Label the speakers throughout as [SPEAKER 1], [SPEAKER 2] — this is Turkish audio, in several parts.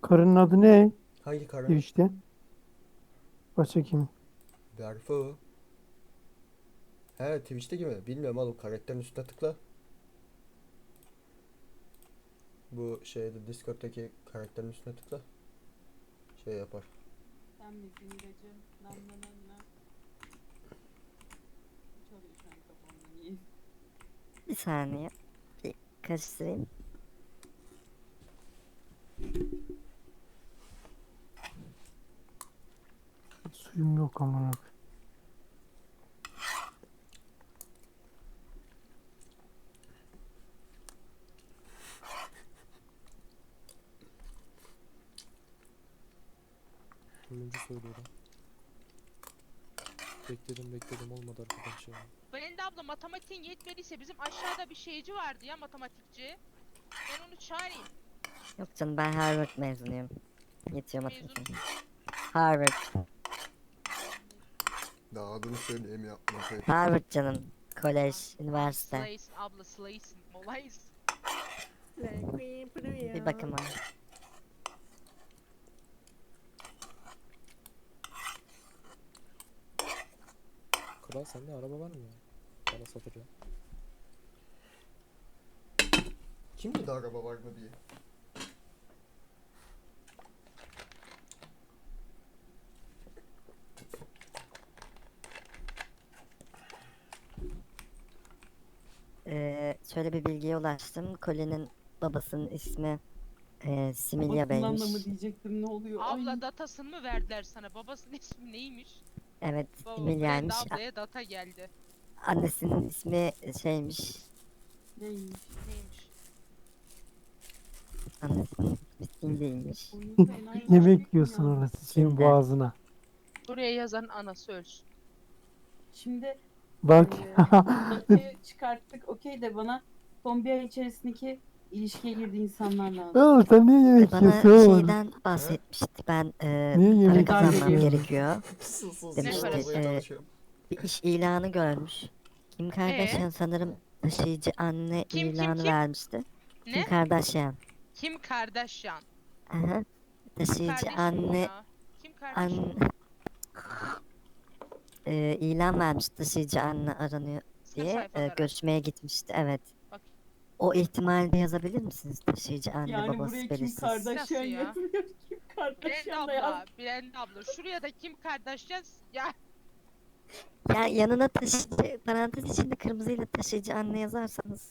[SPEAKER 1] Karının adı ne?
[SPEAKER 2] Hangi kara?
[SPEAKER 1] Twitch'te. Başka kim?
[SPEAKER 2] Berfu. He, Twitch'te gibi. Bilmiyorum oğlum, karakterin üstüne tıkla. Bu şeyde, Discord'daki karakterin üstüne tıkla. Şey yapar.
[SPEAKER 3] Sen misin ilacım? Nam nam nam nam. Çalıyor şu an kafamda niye?
[SPEAKER 4] Bir saniye. Bir karıştırayım.
[SPEAKER 1] Suyum yok amına.
[SPEAKER 5] Ölümcü söylüyorum. Bekledim olmadı arkadaş ya.
[SPEAKER 6] Brenda abla matematiğin yetmediyse bizim aşağıda bir şeyci vardı ya, matematikçi. Ben onu çağırayım.
[SPEAKER 4] Yok canım, ben Harvard mezunuyum. Yetiyor
[SPEAKER 6] Mezun
[SPEAKER 4] matematiğim. Harvard.
[SPEAKER 2] Daha adını söyleyeyim ya.
[SPEAKER 4] Harvard canım. Kolej, üniversite.
[SPEAKER 6] Slaysin abla, slaysin. Olaysın.
[SPEAKER 4] Bir bakıma.
[SPEAKER 5] Kral sende araba var mı ya? Bana satacağım.
[SPEAKER 2] Kim dedi araba var mı diye.
[SPEAKER 4] Şöyle bir bilgiye ulaştım. Colin'in babasının ismi Similya
[SPEAKER 3] Babasından da
[SPEAKER 4] Bey'miş.
[SPEAKER 3] mı diyecektim, ne oluyor?
[SPEAKER 6] Abla
[SPEAKER 3] Ay.
[SPEAKER 6] datasını mı verdiler sana? Babasının ismi neymiş?
[SPEAKER 4] Evet,
[SPEAKER 6] Baba,
[SPEAKER 4] Similya'ymış.
[SPEAKER 6] Brenda ablaya data geldi.
[SPEAKER 4] Annesinin ismi şeymiş.
[SPEAKER 3] Neymiş?
[SPEAKER 6] Neymiş?
[SPEAKER 4] Annesinin ismi Cindy'ymiş.
[SPEAKER 3] Oyunu fena
[SPEAKER 1] Ne
[SPEAKER 3] yapmış
[SPEAKER 1] bekliyorsun
[SPEAKER 3] ya.
[SPEAKER 1] orası senin
[SPEAKER 4] Şimdi.
[SPEAKER 1] boğazına?
[SPEAKER 6] Buraya yazan anası ölsün.
[SPEAKER 3] Şimdi
[SPEAKER 1] Bak.
[SPEAKER 3] datayı çıkarttık okey de bana son bir ay içerisindeki ilişkiye girdiği insanlar lazım.
[SPEAKER 1] Oğlum sen niye yemek
[SPEAKER 4] Bana
[SPEAKER 1] yiyorsun oğlum?
[SPEAKER 4] şeyden bahsetmişti. Ben
[SPEAKER 1] Niye
[SPEAKER 4] para
[SPEAKER 1] yemek
[SPEAKER 4] kazanmam
[SPEAKER 1] yiyorsun?
[SPEAKER 4] gerekiyor.
[SPEAKER 2] Sus
[SPEAKER 4] Demişti,
[SPEAKER 2] arabaya çalışıyorum.
[SPEAKER 4] Bir iş ilanı görmüş. Kim Kardashian sanırım taşıyıcı anne
[SPEAKER 6] Kim,
[SPEAKER 4] ilanı
[SPEAKER 6] kim?
[SPEAKER 4] vermişti. Kim
[SPEAKER 6] Ne?
[SPEAKER 4] Kardashian.
[SPEAKER 6] Kim Kardashian?
[SPEAKER 4] Aha. Taşıyıcı
[SPEAKER 6] Kardeşim
[SPEAKER 4] anne
[SPEAKER 6] ya. Kim kardeşim?
[SPEAKER 4] ilan vermiş, taşıyıcı anne aranıyor
[SPEAKER 6] Sınıf
[SPEAKER 4] diye
[SPEAKER 6] sayfalara.
[SPEAKER 4] görüşmeye gitmişti. Evet.
[SPEAKER 6] Bak.
[SPEAKER 4] O ihtimalde yazabilir misiniz? Taşıyıcı anne
[SPEAKER 3] Yani
[SPEAKER 4] babası
[SPEAKER 3] buraya Kim
[SPEAKER 4] belirsiz.
[SPEAKER 3] Kardashian
[SPEAKER 6] Nasıl ya?
[SPEAKER 3] yazmıyor. Kim
[SPEAKER 6] Brenda
[SPEAKER 3] Kardashian da yaz.
[SPEAKER 6] abla, Brenda abla. Şuraya da Kim Kardashian ya.
[SPEAKER 4] Ya yanına taşıyıcı, parantez içinde kırmızıyla taşıyıcı anne yazarsanız.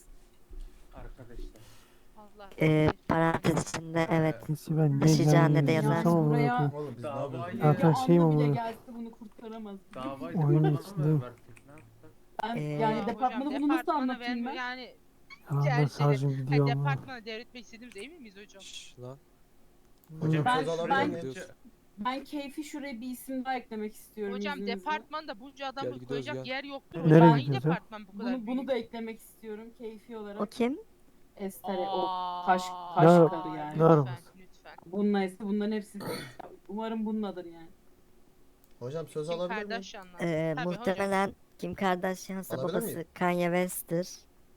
[SPEAKER 6] Allah.
[SPEAKER 4] Parantez içinde evet.
[SPEAKER 1] Neyse ben ne
[SPEAKER 4] Taşıyıcı anne de
[SPEAKER 1] yani
[SPEAKER 4] yazar.
[SPEAKER 1] yazsam amına
[SPEAKER 3] Buraya-
[SPEAKER 1] koyayım.
[SPEAKER 2] Oğlum biz ne
[SPEAKER 7] Davayı
[SPEAKER 2] yapıyoruz?
[SPEAKER 1] Zaten
[SPEAKER 3] Ya
[SPEAKER 1] şey mi
[SPEAKER 3] Anna bile
[SPEAKER 1] bu?
[SPEAKER 3] gelse bunu kurtaramaz.
[SPEAKER 7] Davayı
[SPEAKER 1] Oyunun
[SPEAKER 7] departmana
[SPEAKER 1] içinde.
[SPEAKER 7] mı verdik? Ne yaptık?
[SPEAKER 3] Ben,
[SPEAKER 4] Ee,
[SPEAKER 3] yani
[SPEAKER 6] Ya
[SPEAKER 3] departmanı
[SPEAKER 6] hocam,
[SPEAKER 3] bunu nasıl
[SPEAKER 6] departmana
[SPEAKER 3] anlatayım ben?
[SPEAKER 6] Yani
[SPEAKER 1] Yalandan
[SPEAKER 6] gerçi
[SPEAKER 1] şarjım gidiyor ama.
[SPEAKER 6] departmana devretmek istediğimize emin miyiz hocam?
[SPEAKER 5] Şşş lan.
[SPEAKER 2] Hocam
[SPEAKER 3] Ben-
[SPEAKER 2] söz alabilir
[SPEAKER 3] ben-
[SPEAKER 2] miyim?
[SPEAKER 5] Gidiyoruz.
[SPEAKER 3] Ben keyfi şuraya bir isim daha eklemek istiyorum
[SPEAKER 6] Hocam
[SPEAKER 3] izninizle.
[SPEAKER 6] departmanda bunca adamı
[SPEAKER 5] gidiyoruz,
[SPEAKER 6] koyacak
[SPEAKER 5] gel.
[SPEAKER 6] yer yoktur.
[SPEAKER 3] Nereye
[SPEAKER 6] Hocam hangi
[SPEAKER 1] gidiyoruz ya?
[SPEAKER 6] departman bu kadar
[SPEAKER 3] Bunu
[SPEAKER 6] büyük?
[SPEAKER 3] da eklemek istiyorum keyfi olarak.
[SPEAKER 4] O kim?
[SPEAKER 3] Estere o
[SPEAKER 6] Aa,
[SPEAKER 3] taş
[SPEAKER 1] Ne ara-
[SPEAKER 3] karı yani.
[SPEAKER 1] ne arabası?
[SPEAKER 6] Lütfen.
[SPEAKER 3] Bununla ise bunların hepsi umarım bununladır yani.
[SPEAKER 2] Hocam söz
[SPEAKER 6] Kim
[SPEAKER 2] alabilir miyim?
[SPEAKER 6] Kardashian'la? Tabii hocam.
[SPEAKER 4] Muhtemelen Kim Kardashian'sa
[SPEAKER 2] Alabilir
[SPEAKER 4] babası
[SPEAKER 2] miyim?
[SPEAKER 4] Kanye West'tir.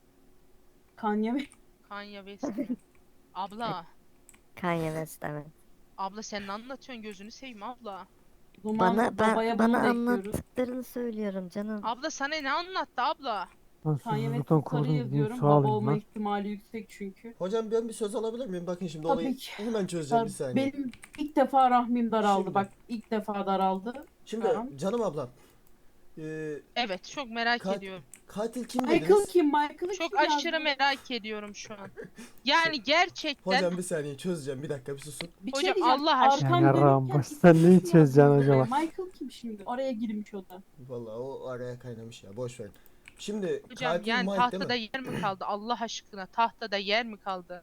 [SPEAKER 3] Kanye ve
[SPEAKER 6] Kanye West mi? Abla.
[SPEAKER 4] Kanye West evet.
[SPEAKER 6] Abla sen ne anlatıyorsun, gözünü seveyim abla.
[SPEAKER 3] o zaman babaya bunu
[SPEAKER 4] Bana
[SPEAKER 3] da ekliyoruz.
[SPEAKER 4] anlattıklarını söylüyorum canım.
[SPEAKER 6] Abla sana ne anlattı abla?
[SPEAKER 1] Ben
[SPEAKER 3] Kanye
[SPEAKER 1] susuzluktan
[SPEAKER 3] West'i sarı
[SPEAKER 1] korudum gideyim
[SPEAKER 3] yazıyorum.
[SPEAKER 1] su
[SPEAKER 3] Baba
[SPEAKER 1] alayım
[SPEAKER 3] olma
[SPEAKER 1] lan.
[SPEAKER 3] ihtimali yüksek çünkü.
[SPEAKER 2] Hocam ben bir söz alabilir miyim? Bakın şimdi
[SPEAKER 3] Tabii
[SPEAKER 2] olayı
[SPEAKER 3] ki.
[SPEAKER 2] hemen çözeceğim bir saniye.
[SPEAKER 3] Benim ilk defa rahmim daraldı.
[SPEAKER 2] Şimdi.
[SPEAKER 3] Bak ilk defa daraldı.
[SPEAKER 2] Şimdi
[SPEAKER 3] Tamam.
[SPEAKER 2] canım ablam.
[SPEAKER 6] Evet, çok merak
[SPEAKER 2] Ka-
[SPEAKER 6] ediyorum.
[SPEAKER 2] Katil kim
[SPEAKER 3] Michael
[SPEAKER 2] dediniz?
[SPEAKER 3] kim? Michael'ı
[SPEAKER 6] Çok
[SPEAKER 3] kim yazdı?
[SPEAKER 6] aşırı merak ediyorum şu an. Yani gerçekten
[SPEAKER 2] Hocam bir saniye çözeceğim. Bir dakika bir susun.
[SPEAKER 3] Bir
[SPEAKER 6] Hocam,
[SPEAKER 3] şey diyeceğim.
[SPEAKER 6] Allah aşkına.
[SPEAKER 3] Arkam
[SPEAKER 1] Ya yarrağım,
[SPEAKER 3] dönükken
[SPEAKER 1] baş- sen
[SPEAKER 3] isim
[SPEAKER 1] neyi
[SPEAKER 3] yazdı
[SPEAKER 1] çözeceksin
[SPEAKER 3] buraya.
[SPEAKER 1] acaba?
[SPEAKER 3] Michael kim şimdi? Oraya girmiş o da.
[SPEAKER 2] Vallahi o araya kaynamış ya. Boş verin. Şimdi
[SPEAKER 6] Hocam
[SPEAKER 2] katil
[SPEAKER 6] yani
[SPEAKER 2] Mike değil
[SPEAKER 6] tahtada
[SPEAKER 2] mi?
[SPEAKER 6] yer mi kaldı Allah aşkına? Tahtada yer mi kaldı?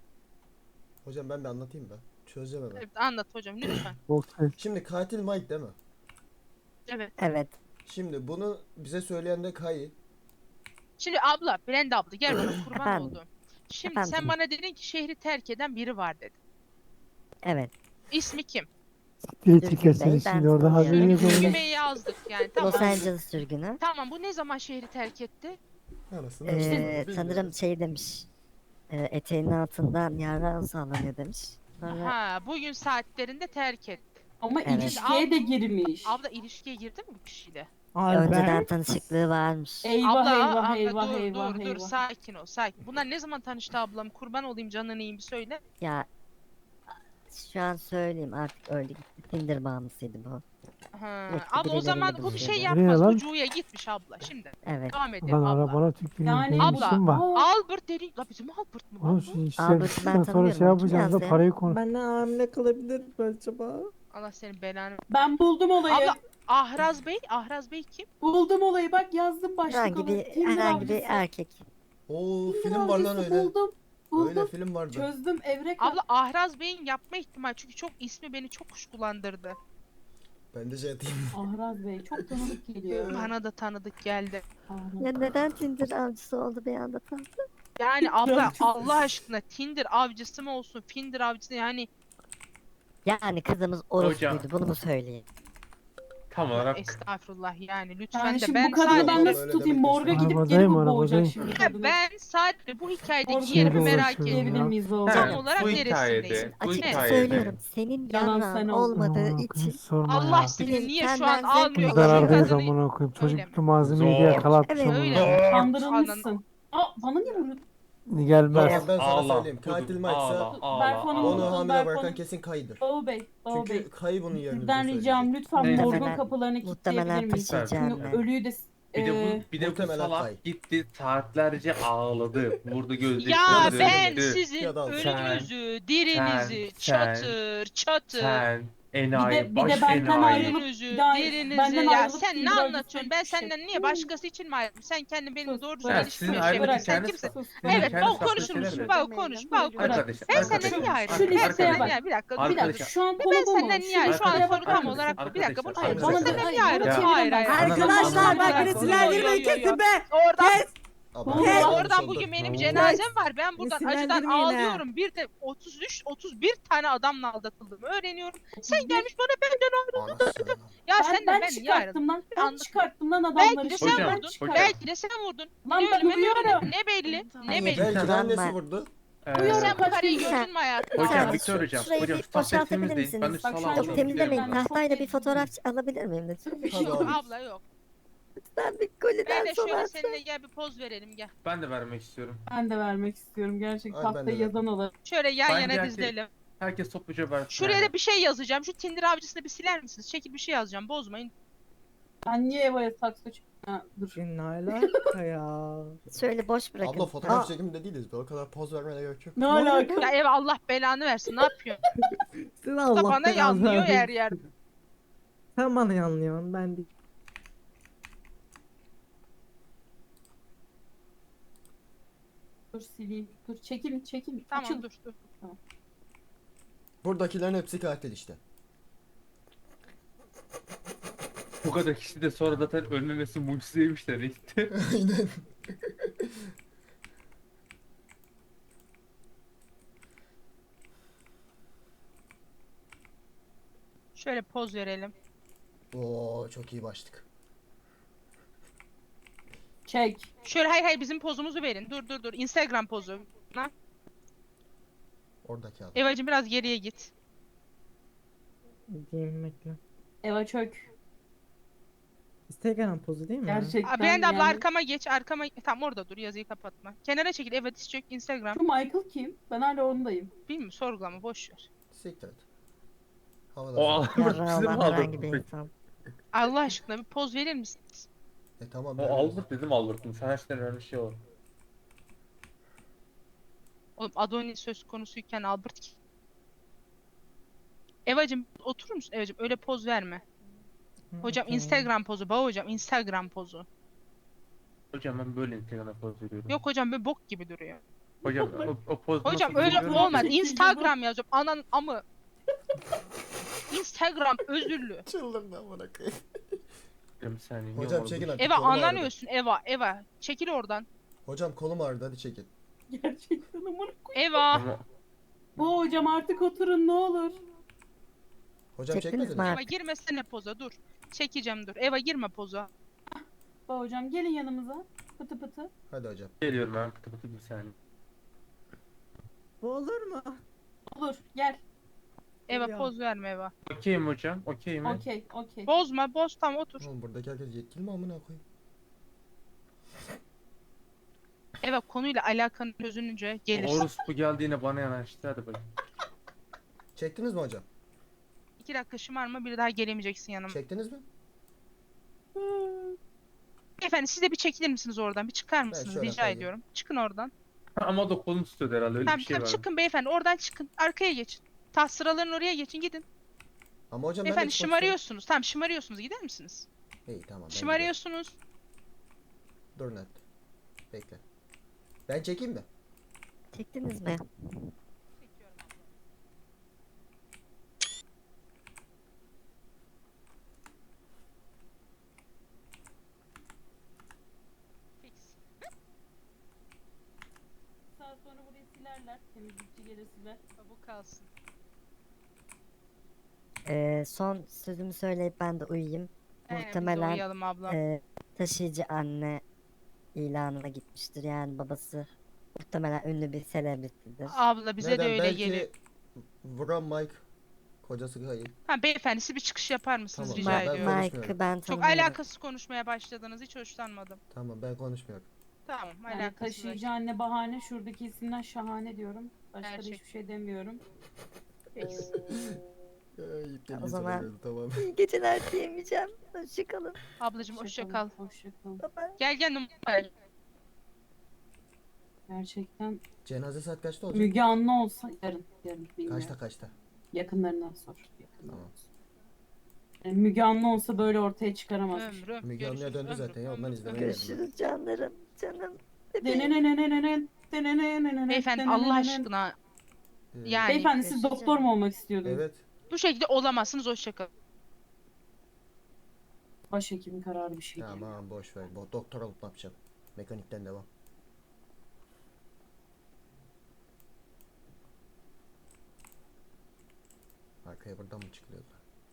[SPEAKER 2] Hocam ben bir anlatayım ben. Çözeceğim hemen.
[SPEAKER 6] Evet, anlat hocam lütfen.
[SPEAKER 1] Çok ses.
[SPEAKER 2] Şimdi katil Mike değil mi?
[SPEAKER 6] Evet.
[SPEAKER 4] Evet.
[SPEAKER 2] Şimdi bunu bize söyleyen de Kayı.
[SPEAKER 6] Şimdi abla, Brenda abla gel bana kurban
[SPEAKER 4] Efendim?
[SPEAKER 6] oldum. Şimdi
[SPEAKER 4] Efendim?
[SPEAKER 6] sen bana dedin ki şehri terk eden biri var dedin.
[SPEAKER 4] Evet.
[SPEAKER 6] İsmi kim?
[SPEAKER 1] Diye
[SPEAKER 4] Sürgün
[SPEAKER 1] çekersin
[SPEAKER 4] Bey,
[SPEAKER 1] şimdi
[SPEAKER 4] ben
[SPEAKER 1] orada
[SPEAKER 4] tanıyorum.
[SPEAKER 1] haberin yok ondan.
[SPEAKER 6] Gümeyi yazdık yani tamam.
[SPEAKER 4] Los Angeles sürgünü.
[SPEAKER 6] Tamam, bu ne zaman şehri terk etti?
[SPEAKER 2] Anasını
[SPEAKER 4] Sanırım şey demiş. Eteğinin altından yarrağı sağlanıyor demiş. Sonra
[SPEAKER 6] Ha, bugün saatlerinde terk etti.
[SPEAKER 3] Ama
[SPEAKER 4] Evet.
[SPEAKER 3] ilişkiye de girmiş.
[SPEAKER 6] Abla ilişkiye girdi mi bu kişiyle?
[SPEAKER 4] önceden
[SPEAKER 1] Albert.
[SPEAKER 4] tanışıklığı varmış.
[SPEAKER 3] Eyvah
[SPEAKER 6] abla,
[SPEAKER 3] eyvah
[SPEAKER 6] abla
[SPEAKER 3] eyvah
[SPEAKER 6] dur
[SPEAKER 3] eyvah
[SPEAKER 6] dur dur
[SPEAKER 3] eyvah.
[SPEAKER 6] sakin ol sakin. Bunlar ne zaman tanıştı ablam? Kurban olayım canını iyiyim bir söyle.
[SPEAKER 4] Ya şu an söyleyeyim artık öyle gitti. Tinder bağımlısıydı bu.
[SPEAKER 6] Ha,
[SPEAKER 4] Yok,
[SPEAKER 6] abla o
[SPEAKER 4] birileriyle
[SPEAKER 6] zaman bu bir şey
[SPEAKER 4] buluşuyordu.
[SPEAKER 1] Nereye
[SPEAKER 6] yapmaz.
[SPEAKER 1] lan?
[SPEAKER 6] Ucuya gitmiş abla şimdi.
[SPEAKER 4] Evet.
[SPEAKER 6] Devam edelim
[SPEAKER 1] Lan
[SPEAKER 6] abla.
[SPEAKER 1] arabana tüküreyim.
[SPEAKER 3] Yani
[SPEAKER 1] Benim
[SPEAKER 6] Abla,
[SPEAKER 1] işim var.
[SPEAKER 6] Albert dedi. La bizim Albert mı lan
[SPEAKER 1] Oğlum
[SPEAKER 6] bu?
[SPEAKER 1] şu işler
[SPEAKER 4] Albert'ı ben
[SPEAKER 1] bittikten sonra
[SPEAKER 4] tanımıyorum,
[SPEAKER 1] şey
[SPEAKER 4] onu kim
[SPEAKER 1] yapacağız da
[SPEAKER 4] yazdı ya?
[SPEAKER 1] parayı konu.
[SPEAKER 7] Benden hamile kalabilir mi acaba?
[SPEAKER 6] Allah senin belanı.
[SPEAKER 3] Ben buldum olayı.
[SPEAKER 6] Abla Ahraz Bey kim?
[SPEAKER 3] Buldum olayı. Bak yazdım başlık
[SPEAKER 4] Herhangi
[SPEAKER 3] olayı.
[SPEAKER 4] bir
[SPEAKER 3] Tinder
[SPEAKER 4] herhangi bir
[SPEAKER 3] avcısı.
[SPEAKER 4] erkek.
[SPEAKER 2] Oo
[SPEAKER 3] Tinder
[SPEAKER 2] film var lan
[SPEAKER 3] avcısı
[SPEAKER 2] öyle.
[SPEAKER 3] Buldum.
[SPEAKER 2] Öyle
[SPEAKER 3] Buldum.
[SPEAKER 2] film vardı.
[SPEAKER 3] Çözdüm evrek.
[SPEAKER 6] Abla Ahraz Bey'in yapma ihtimali çünkü çok ismi beni çok kuşkulandırdı.
[SPEAKER 2] Ben de şey atayım.
[SPEAKER 3] Ahraz Bey çok tanıdık geliyor.
[SPEAKER 6] Bana da tanıdık geldi.
[SPEAKER 3] Ahraz.
[SPEAKER 4] Ya neden Tinder avcısı oldu bir anda tam?
[SPEAKER 6] Yani abla
[SPEAKER 3] Avcısı.
[SPEAKER 6] Allah aşkına Tinder avcısı mı olsun, Finder avcısı yani
[SPEAKER 4] Yani kızımız orospuydu bunu mu söyleyeyim?
[SPEAKER 5] Tam olarak
[SPEAKER 6] estağfurullah yani lütfen
[SPEAKER 3] Yani
[SPEAKER 6] de
[SPEAKER 3] şimdi
[SPEAKER 6] ben
[SPEAKER 3] bu kadını ben
[SPEAKER 6] sadece
[SPEAKER 3] nasıl
[SPEAKER 2] Öyle
[SPEAKER 3] tutayım?
[SPEAKER 2] demek
[SPEAKER 3] Morga
[SPEAKER 2] istedim.
[SPEAKER 3] gidip geri
[SPEAKER 1] Arabadayım,
[SPEAKER 3] mi boğacak
[SPEAKER 1] arabadayım.
[SPEAKER 3] şimdi
[SPEAKER 6] Ya
[SPEAKER 3] kadını?
[SPEAKER 6] ben sadece bu hikayedeki
[SPEAKER 3] Orada
[SPEAKER 6] yerimi
[SPEAKER 1] Şeyde
[SPEAKER 6] merak
[SPEAKER 1] uğraşıyorum
[SPEAKER 6] ediyorum.
[SPEAKER 3] Diyebilir
[SPEAKER 1] ya.
[SPEAKER 3] miyiz baba?
[SPEAKER 6] Tam
[SPEAKER 5] Evet,
[SPEAKER 6] olarak
[SPEAKER 5] bu
[SPEAKER 6] neresindeyiz?
[SPEAKER 5] hikayede, bu
[SPEAKER 4] Açıkça
[SPEAKER 5] hikayede
[SPEAKER 4] söylüyorum. Senin
[SPEAKER 3] Yalan
[SPEAKER 4] yanan
[SPEAKER 3] sen oldun.
[SPEAKER 4] olmadığı
[SPEAKER 1] Aman
[SPEAKER 4] için
[SPEAKER 1] okuyayım, sorma
[SPEAKER 6] Allah
[SPEAKER 1] ya.
[SPEAKER 6] seni niye şu
[SPEAKER 4] Senden
[SPEAKER 6] an
[SPEAKER 4] zevk
[SPEAKER 6] almıyor
[SPEAKER 1] Biz
[SPEAKER 6] ki
[SPEAKER 1] zarardayız
[SPEAKER 6] kadını?
[SPEAKER 1] amına koyayım.
[SPEAKER 6] Öyle
[SPEAKER 1] Çocuk
[SPEAKER 6] mi?
[SPEAKER 1] bir malzemeyi diye
[SPEAKER 5] Zor.
[SPEAKER 1] yakalatmış
[SPEAKER 4] Evet.
[SPEAKER 1] amına
[SPEAKER 6] Öyle
[SPEAKER 1] koyayım.
[SPEAKER 6] mi?
[SPEAKER 3] Kandırılmışsın. Aa bana niye vuruyorsun?
[SPEAKER 1] Gelmez.
[SPEAKER 2] Ama ben sana
[SPEAKER 5] Ağla,
[SPEAKER 2] söyleyeyim.
[SPEAKER 5] kuzum,
[SPEAKER 2] Katil Mike'sa
[SPEAKER 5] ağla,
[SPEAKER 3] Berfon'un
[SPEAKER 2] onu
[SPEAKER 3] Ağla.
[SPEAKER 2] hamile
[SPEAKER 3] Berfon'un-
[SPEAKER 2] bırakan kesin Kayı'dır.
[SPEAKER 3] Baba Bey, Baba Bey.
[SPEAKER 2] Çünkü Kayı bunun yerini
[SPEAKER 3] Sizden
[SPEAKER 2] bize
[SPEAKER 3] ricam
[SPEAKER 2] söyleyecek.
[SPEAKER 3] lütfen
[SPEAKER 5] Neyse.
[SPEAKER 3] morgun kapılarını
[SPEAKER 4] Muhtemelen
[SPEAKER 3] kilitleyebilir miyiz?
[SPEAKER 4] taşıyacağım
[SPEAKER 3] Çünkü
[SPEAKER 4] ben.
[SPEAKER 3] ölüyü de
[SPEAKER 5] Bir de bu
[SPEAKER 2] Muhtemelen Kay.
[SPEAKER 5] salak gitti saatlerce ağladı. Vurdu gözleri.
[SPEAKER 6] Ya
[SPEAKER 2] Yazık.
[SPEAKER 6] ben
[SPEAKER 2] Döktü.
[SPEAKER 6] sizin
[SPEAKER 2] Ya da al.
[SPEAKER 6] ölünüzü, dirinizi,
[SPEAKER 5] sen-
[SPEAKER 6] çatır çatır.
[SPEAKER 5] Sen enayi,
[SPEAKER 3] Bir de
[SPEAKER 5] baş
[SPEAKER 3] benden
[SPEAKER 5] enayi.
[SPEAKER 3] ayrılıp-
[SPEAKER 6] Ölünüzü,
[SPEAKER 3] bir daha-
[SPEAKER 6] dirinizi.
[SPEAKER 3] benden
[SPEAKER 6] Ya
[SPEAKER 3] ayrılıp
[SPEAKER 6] sen ne
[SPEAKER 3] Tinder
[SPEAKER 6] anlatıyorsun? Ben
[SPEAKER 3] avcısına
[SPEAKER 6] senden
[SPEAKER 3] gitmişim.
[SPEAKER 6] niye başkası için mi ayrıldım? Sen kendin benimle
[SPEAKER 3] Sus,
[SPEAKER 6] doğru
[SPEAKER 3] bırak.
[SPEAKER 6] düzgün
[SPEAKER 5] Ha,
[SPEAKER 6] ilişki
[SPEAKER 5] sizin
[SPEAKER 6] mi
[SPEAKER 5] ayrılık
[SPEAKER 6] yaşıyorsun? Sen
[SPEAKER 5] hikayeniz
[SPEAKER 6] kimsin?
[SPEAKER 3] Sus.
[SPEAKER 5] Sizin
[SPEAKER 6] Evet,
[SPEAKER 5] hikayeniz
[SPEAKER 6] bak
[SPEAKER 5] farklı
[SPEAKER 6] konuşur
[SPEAKER 5] şeyler
[SPEAKER 6] musun?
[SPEAKER 5] mi?
[SPEAKER 6] Bak konuş, bak konuş.
[SPEAKER 5] Arkadaşlar,
[SPEAKER 6] Ben senden
[SPEAKER 5] arkadaşlar,
[SPEAKER 6] niye ayrıldım?
[SPEAKER 3] Şu
[SPEAKER 6] Ben
[SPEAKER 3] listeye
[SPEAKER 6] senden
[SPEAKER 3] bak.
[SPEAKER 6] niye? Bir dakika,
[SPEAKER 3] Bir dakika
[SPEAKER 5] Arkadaşlar-
[SPEAKER 3] şu an
[SPEAKER 6] Ben
[SPEAKER 3] konu bu mu?
[SPEAKER 6] senden niye ayrıldım? Şu an
[SPEAKER 5] Arkadaşlar,
[SPEAKER 6] soru tam
[SPEAKER 5] arkadaşlar,
[SPEAKER 6] olarak bu. Bir dakika bunu
[SPEAKER 5] arkadaşlar,
[SPEAKER 6] söyle. Ben
[SPEAKER 3] arkadaşlar.
[SPEAKER 6] senden niye
[SPEAKER 3] Bana
[SPEAKER 6] ayrıldım?
[SPEAKER 3] çevirin
[SPEAKER 6] Hayır,
[SPEAKER 3] ben.
[SPEAKER 6] hayır.
[SPEAKER 7] Arkadaşlar bak
[SPEAKER 6] Yo, yo,
[SPEAKER 7] sinirlendirmeyi
[SPEAKER 6] yo, yo, yo.
[SPEAKER 7] kesin be.
[SPEAKER 6] Oradan
[SPEAKER 2] Abla,
[SPEAKER 3] Oğlum,
[SPEAKER 2] yanlış
[SPEAKER 6] Oradan
[SPEAKER 2] oldu.
[SPEAKER 6] bugün benim
[SPEAKER 1] Oo.
[SPEAKER 6] cenazem var. Ben buradan acıdan
[SPEAKER 7] Sinirlendirmeyin ha.
[SPEAKER 6] ağlıyorum. Bir de 31 tane adamla aldatıldığımı öğreniyorum. Sen gelmiş bana benden ayrıldın.
[SPEAKER 2] Anasını.
[SPEAKER 6] Ya
[SPEAKER 3] Ben
[SPEAKER 6] senden ben niye ayrıldım?
[SPEAKER 3] çıkarttım lan. Ben
[SPEAKER 6] Anladım.
[SPEAKER 3] çıkarttım lan adamları.
[SPEAKER 6] Belki de
[SPEAKER 3] Şimdi
[SPEAKER 6] sen
[SPEAKER 3] ben
[SPEAKER 6] vurdun.
[SPEAKER 3] çıkarttım.
[SPEAKER 6] Belki de sen vurdun.
[SPEAKER 3] Lan
[SPEAKER 6] Ne ölüme ne
[SPEAKER 3] duyuyorum.
[SPEAKER 6] ölüme ne belli. Ne
[SPEAKER 4] Hayır.
[SPEAKER 6] belli.
[SPEAKER 2] Belki de
[SPEAKER 4] Tamam,
[SPEAKER 2] annesi
[SPEAKER 4] ben-
[SPEAKER 2] vurdu.
[SPEAKER 3] Duyuyorum.
[SPEAKER 6] Sen bu
[SPEAKER 3] Kaç
[SPEAKER 6] karıyı
[SPEAKER 3] gün-
[SPEAKER 6] gördün mü hayatında?
[SPEAKER 5] Hocam
[SPEAKER 4] Tamam,
[SPEAKER 5] Victor hocam.
[SPEAKER 4] şurayı
[SPEAKER 5] Hocam
[SPEAKER 4] bir
[SPEAKER 5] şu tahtayı
[SPEAKER 4] boşaltabilir
[SPEAKER 5] temizleyin. Ben de
[SPEAKER 4] misiniz?
[SPEAKER 3] Bak, şu
[SPEAKER 5] salağa
[SPEAKER 3] an
[SPEAKER 4] Yok
[SPEAKER 3] çok
[SPEAKER 4] temizlemeyin.
[SPEAKER 3] Ben çok
[SPEAKER 4] Tahtayla bir
[SPEAKER 3] temizledim.
[SPEAKER 4] fotoğraf alabilir miyim lütfen?
[SPEAKER 2] Tabii
[SPEAKER 6] Yok
[SPEAKER 2] abi.
[SPEAKER 6] abla yok.
[SPEAKER 4] Ben bir
[SPEAKER 6] Ben
[SPEAKER 4] koliden
[SPEAKER 6] de
[SPEAKER 4] sonra
[SPEAKER 6] şöyle
[SPEAKER 4] atacağım.
[SPEAKER 6] seninle gel bir poz verelim gel.
[SPEAKER 5] Ben de vermek istiyorum.
[SPEAKER 3] Ben de vermek istiyorum gerçekten.
[SPEAKER 2] Ay, ben de
[SPEAKER 3] Tahtayı
[SPEAKER 2] verdim.
[SPEAKER 3] yazan olarak.
[SPEAKER 6] Şöyle yan
[SPEAKER 5] Bence
[SPEAKER 6] yana
[SPEAKER 5] herkes-
[SPEAKER 6] dizilelim.
[SPEAKER 5] Herkes topluca versin.
[SPEAKER 6] Şuraya da bir şey yazacağım. Şu Tinder avcısını bir siler misiniz? Çekil bir şey yazacağım. Bozmayın.
[SPEAKER 3] Ben niye Eva'ya saksı Ha, dur.
[SPEAKER 7] Ne alaka ya?
[SPEAKER 4] Şöyle boş bırakın.
[SPEAKER 2] Abla fotoğraf
[SPEAKER 4] Aa,
[SPEAKER 2] çekiminde değiliz. O kadar poz vermene gerek yok.
[SPEAKER 3] Ne alaka?
[SPEAKER 6] Ya ev Allah belanı versin. Ne yapıyorsun?
[SPEAKER 7] Sen
[SPEAKER 6] Da
[SPEAKER 7] Allah
[SPEAKER 6] bana
[SPEAKER 7] belanı
[SPEAKER 6] yanlıyor
[SPEAKER 7] versin.
[SPEAKER 6] yer yer.
[SPEAKER 7] Sen bana yanlıyorsun ben değil.
[SPEAKER 3] Dur sileyim. Dur çekin.
[SPEAKER 6] Tamam
[SPEAKER 3] Açıl.
[SPEAKER 6] dur.
[SPEAKER 2] Buradakilerin hepsi katil işte.
[SPEAKER 5] Bu kadar kişi de sonra zaten önlemesi mucizeymişler işte.
[SPEAKER 2] Aynen.
[SPEAKER 6] Şöyle poz verelim.
[SPEAKER 2] Oo çok iyi başlık.
[SPEAKER 3] Çek.
[SPEAKER 6] Şöyle hayır bizim pozumuzu verin. Dur. Instagram pozu.
[SPEAKER 2] Oradaki adam.
[SPEAKER 6] Evacım biraz geriye git.
[SPEAKER 7] Diyeyim bekle.
[SPEAKER 3] Eva çök.
[SPEAKER 7] Instagram pozu değil mi?
[SPEAKER 3] Gerçekten.
[SPEAKER 6] Aa, ben de abla
[SPEAKER 3] yani.
[SPEAKER 6] arkama geç. Tam orada dur yazıyı kapatma. Kenara çekil. Evet diz çök Instagram.
[SPEAKER 3] Şu Michael kim? Ben hala ondayım.
[SPEAKER 6] Bilmiyorum sorgulama boş ver.
[SPEAKER 2] Siktir et. Havada.
[SPEAKER 5] O
[SPEAKER 2] zaten.
[SPEAKER 5] Albert
[SPEAKER 4] yarrağı
[SPEAKER 5] bizi mi
[SPEAKER 4] olan herhangi bir
[SPEAKER 5] aldattı?
[SPEAKER 4] insan.
[SPEAKER 6] Allah aşkına bir poz verir misiniz?
[SPEAKER 2] Tamam.
[SPEAKER 5] O
[SPEAKER 2] ben-
[SPEAKER 5] Albert dedim Albert'ım. Sen her şeyden önemli şey olur.
[SPEAKER 6] Oğlum Adonis söz konusuyken Albert ki. Evacım oturur musun? Evacım öyle poz verme. Hocam
[SPEAKER 7] Tamam.
[SPEAKER 6] Instagram pozu. Bak hocam Instagram pozu.
[SPEAKER 5] Hocam ben böyle Instagram'a poz veriyorum.
[SPEAKER 6] Yok hocam böyle bok gibi duruyor.
[SPEAKER 5] Hocam o poz
[SPEAKER 6] Hocam
[SPEAKER 5] nasıl
[SPEAKER 6] öyle
[SPEAKER 5] veriyorum?
[SPEAKER 6] olmaz.
[SPEAKER 3] Çekildi bu.
[SPEAKER 6] Instagram yazacağım. Anan amı. Instagram özürlü.
[SPEAKER 2] Çıldırdı amına koyayım.
[SPEAKER 5] Bir saniye.
[SPEAKER 2] Hocam çekin artık.
[SPEAKER 6] Eva
[SPEAKER 2] kolum
[SPEAKER 6] anan
[SPEAKER 2] ağrıdı.
[SPEAKER 6] ölsün Eva. Çekil oradan.
[SPEAKER 2] Hocam kolum ağrıdı hadi çekin.
[SPEAKER 3] Gerçekten amına.
[SPEAKER 6] Eva.
[SPEAKER 5] Ama
[SPEAKER 3] Bu hocam artık oturun ne olur.
[SPEAKER 2] Hocam
[SPEAKER 4] Çektiniz
[SPEAKER 2] çekmediniz
[SPEAKER 4] mi
[SPEAKER 2] mi?
[SPEAKER 6] Eva girmesene poza dur. Çekeceğim dur. Eva girme poza.
[SPEAKER 3] Bak hocam gelin yanımıza. Pıtı pıtı.
[SPEAKER 2] Hadi hocam.
[SPEAKER 5] geliyorum ben. Pıtı pıtı bir saniye.
[SPEAKER 7] Bu olur mu?
[SPEAKER 3] Olur gel.
[SPEAKER 6] Eva poz verme Eva.
[SPEAKER 5] Okey mi hocam? Okey mi?
[SPEAKER 3] Okey okey.
[SPEAKER 6] Bozma boz tam otur.
[SPEAKER 2] Oğlum buradaki herkes yetkili mi amına koyayım?
[SPEAKER 6] Eva konuyla alakanı çözününce gelir.
[SPEAKER 5] Orospu geldi yine bana yanaştı. Hadi bakayım.
[SPEAKER 2] Çektiniz mi hocam?
[SPEAKER 6] 2 dakika şımarma bir daha gelemeyeceksin yanıma.
[SPEAKER 2] Çektiniz mi?
[SPEAKER 6] Efendim siz de bir çekilir misiniz oradan? Bir çıkar mısınız
[SPEAKER 2] şöyle
[SPEAKER 6] rica
[SPEAKER 2] kayayım.
[SPEAKER 6] ediyorum. Çıkın oradan.
[SPEAKER 5] Ama da kolunu tutuyordu herhalde öyle
[SPEAKER 6] Tamam
[SPEAKER 5] bir şey
[SPEAKER 6] tamam
[SPEAKER 5] var.
[SPEAKER 6] çıkın beyefendi oradan çıkın. Arkaya geçin. Taht sıraların oraya geçin gidin.
[SPEAKER 2] Ama hocam ben de
[SPEAKER 6] Beyefendi
[SPEAKER 2] çıkmak
[SPEAKER 6] şımarıyorsunuz. Tamam şımarıyorsunuz gider misiniz?
[SPEAKER 2] istiyorum. İyi tamam. ben
[SPEAKER 6] Şımarıyorsunuz.
[SPEAKER 2] gidiyorum. Dur net. Bekle. Ben çekeyim mi?
[SPEAKER 4] Çektiniz mi?
[SPEAKER 6] Çekiyorum abla. Fix.
[SPEAKER 3] Saat sonra burayı silerler. Temizlikçi gelir siler.
[SPEAKER 6] Bu kalsın.
[SPEAKER 4] Son sözümü söyleyip ben de uyuyayım.
[SPEAKER 6] Biz de
[SPEAKER 4] Muhtemelen
[SPEAKER 6] uyuyalım abla.
[SPEAKER 4] taşıyıcı anne ilanına gitmiştir. Yani babası muhtemelen ünlü bir selebritidir.
[SPEAKER 6] Abla bize
[SPEAKER 2] Neden?
[SPEAKER 6] de öyle
[SPEAKER 2] Belki
[SPEAKER 6] gelir.
[SPEAKER 2] vuran Mike kocası kayıp.
[SPEAKER 6] Ha beyefendi siz bir çıkış yapar mısınız
[SPEAKER 2] Tamam,
[SPEAKER 6] rica
[SPEAKER 2] ben
[SPEAKER 6] ediyorum.
[SPEAKER 2] konuşmuyorum.
[SPEAKER 4] Mike'ı ben
[SPEAKER 6] Çok
[SPEAKER 4] tanımıyorum.
[SPEAKER 6] alakasız konuşmaya başladınız. Hiç hoşlanmadım.
[SPEAKER 2] Tamam ben konuşmuyorum.
[SPEAKER 6] Tamam
[SPEAKER 3] Yani
[SPEAKER 6] alakasız.
[SPEAKER 3] taşıyıcı anne bahane. Şuradaki isimden şahane diyorum. Başka da
[SPEAKER 6] Gerçek.
[SPEAKER 3] hiçbir şey demiyorum.
[SPEAKER 6] Fix.
[SPEAKER 4] O zaman-
[SPEAKER 2] tamam.
[SPEAKER 4] İyi geceler diyemeyeceğim. Hoşçakalın.
[SPEAKER 6] Ablacığım hoşça kal.
[SPEAKER 3] Hoşça kal.
[SPEAKER 4] Bye bye.
[SPEAKER 6] Gel numara.
[SPEAKER 3] Gerçekten
[SPEAKER 2] Cenaze saat kaçta olacak?
[SPEAKER 3] Müge Anlı olsa yarın bilmiyorum.
[SPEAKER 2] Kaçta?
[SPEAKER 3] Yakınlarından sor. Yakınlarından
[SPEAKER 2] Tamam.
[SPEAKER 3] sor. Yani Müge Anlı olsa böyle ortaya çıkaramazmış.
[SPEAKER 6] Ömrüm.
[SPEAKER 2] Müge Anlı'ya
[SPEAKER 6] görüşürüz,
[SPEAKER 2] döndü
[SPEAKER 6] ömrüm,
[SPEAKER 2] zaten ya, ondan
[SPEAKER 6] ömrüm,
[SPEAKER 2] izlemeye
[SPEAKER 6] ömrüm.
[SPEAKER 2] geldim.
[SPEAKER 4] Görüşürüz canlarım. Canım.
[SPEAKER 6] Beyefendi Allah aşkına yani
[SPEAKER 3] Beyefendi siz doktor mu olmak istiyordunuz?
[SPEAKER 2] Evet.
[SPEAKER 6] bu şekilde olamazsınız hoşça kalın.
[SPEAKER 3] Başhekimin kararı bir şey değil.
[SPEAKER 2] Tamam boş ver. Doktor olup ne yapacağım? Mekanikten devam. Arkaya buradan mı çıkılıyor?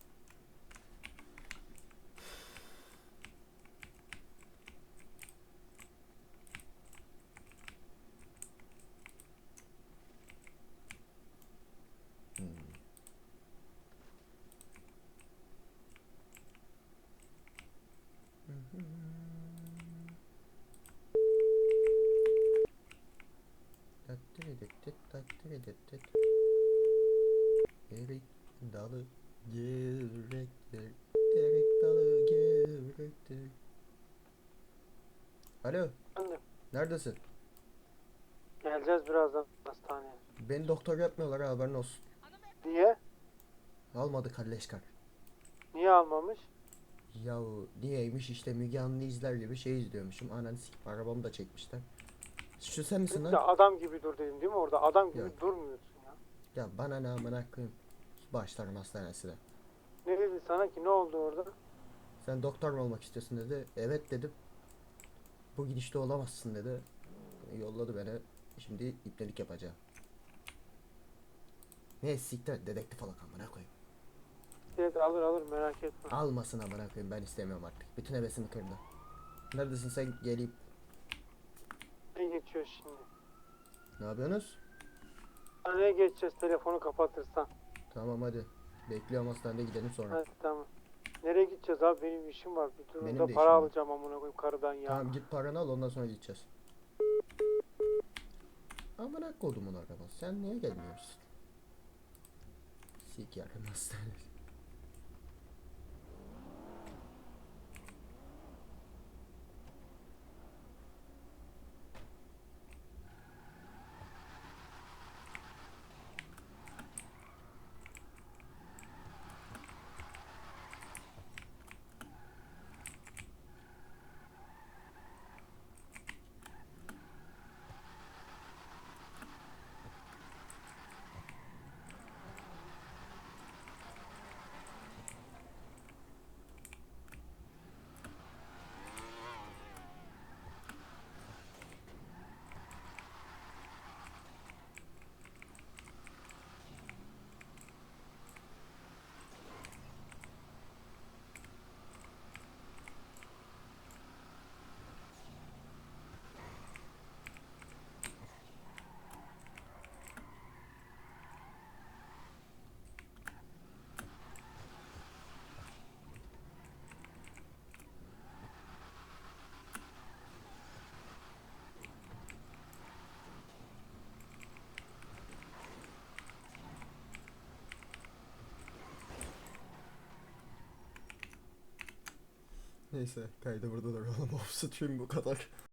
[SPEAKER 2] Erik dalı gevrektir. Erik dalı gevrektir. Alo,
[SPEAKER 1] Efendim,
[SPEAKER 2] neredesin?
[SPEAKER 1] geleceğiz birazdan hastaneye.
[SPEAKER 2] Beni doktor yapmıyorlar ha, haberin olsun.
[SPEAKER 1] Niye?
[SPEAKER 2] Almadı kalleşkar.
[SPEAKER 1] Niye almamış?
[SPEAKER 2] Yahu niyeymiş işte Müge Anlı izler gibi şey izliyormuşum. Ananı sikip arabamı da çekmişler. Şu sen misin
[SPEAKER 1] Ya
[SPEAKER 2] lan?
[SPEAKER 1] adam gibi dur dedim değil mi orada? Adam gibi
[SPEAKER 2] Yok.
[SPEAKER 1] durmuyorsun ya.
[SPEAKER 2] Ya bana ne amına koyayım. Başlarım hastanesine.
[SPEAKER 1] Ne dedi sana ki? Ne oldu orada?
[SPEAKER 2] Sen doktor mu olmak istiyorsun dedi. Evet dedim. Bu gidişte olamazsın dedi. Yolladı beni. Şimdi ipnelik yapacağım. Ne siktir et, dedektif alak amına koyayım.
[SPEAKER 1] Evet alır merak etme.
[SPEAKER 2] Almasın amına koyayım, ben istemiyorum artık. Bütün hevesimi kırdı. Neredesin sen, geleyim.
[SPEAKER 1] Ne geçiyor şimdi?
[SPEAKER 2] Ne yapıyorsunuz?
[SPEAKER 1] Hastaneye geçeceğiz telefonu kapatırsan.
[SPEAKER 2] Tamam hadi. Bekliyorum hastanede, gidelim sonra.
[SPEAKER 1] Hadi tamam. Nereye gideceğiz abi? Benim işim var. Bir
[SPEAKER 2] Benim
[SPEAKER 1] durumda
[SPEAKER 2] de
[SPEAKER 1] para
[SPEAKER 2] işim var.
[SPEAKER 1] alacağım amına koyayım karıdan ya.
[SPEAKER 2] Tamam git paranı al, ondan sonra gideceğiz. Amına kodumun arabası, sen niye gelmiyorsun? Sik yakın hastanesi. Neyse kaydı burada duralım. Off stream bu kadar.